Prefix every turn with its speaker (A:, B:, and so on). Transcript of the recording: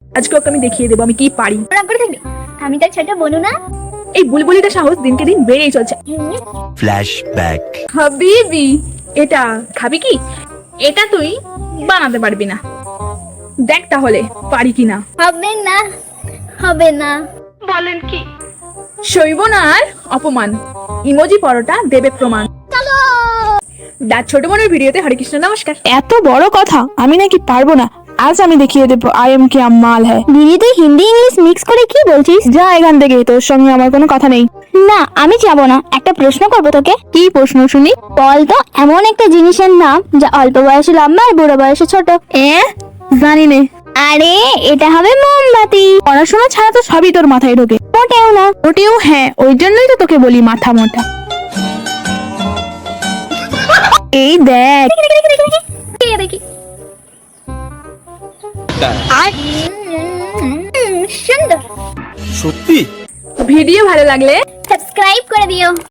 A: আজকে ওকে আমি দেখিয়ে দেবো আমি কি পারি।
B: রাগ করে থাকবি, আমি তার ছোট বোনু না।
A: এই বুলবুলিটা সাহস দিনকে দিন বেড়েই চলছে।
C: ফ্ল্যাশব্যাক।
A: হাবিবি, এটা খাবি কি? এটা তুই বানাতে পারবি না, দেখ তাহলে পারি কিনা।
B: হবে না, হবে না।
A: বলেন কি? সইব না আর অপমান, ইমোজি পরোটা দেবে প্রমাণ।
B: চলো।
A: দাঁত ছোট বোনের ভিডিওতে হরে কৃষ্ণ নমস্কার।
D: এত বড় কথা আমি নাকি পারবো না, আজ আমি দেখিয়ে দেবো আই এম क्या माल है।
B: দিদি তুই হিন্দি ইংলিশ মিক্স করে কি বলছিস?
D: যা এখান থেকে, তোর সঙ্গে আমার কোনো কথা নেই।
B: না আমি যাবো না, একটা প্রশ্ন করবো তোকে।
D: কি প্রশ্ন শুনি?
B: বল তো এমন একটা জিনিসের নাম যা অল্প বয়সে লম্বা আর বুড়ো বয়সে ছোট।
D: জানি নে।
B: আরে এটা হবে মোমবাতি।
D: পড়াশোনা ছাড়া তো সবই তোর মাথায় ঢোকে।
B: মোটেও না।
D: ওটিও হ্যাঁ, ওই জন্যই তো তোকে বলি মাথা মোটা। এই দেখ,
B: দেখি দেখি। সুন্দর।
C: সত্যি?
A: ভিডিও ভালো লাগলে
B: সাবস্ক্রাইব করে দিও।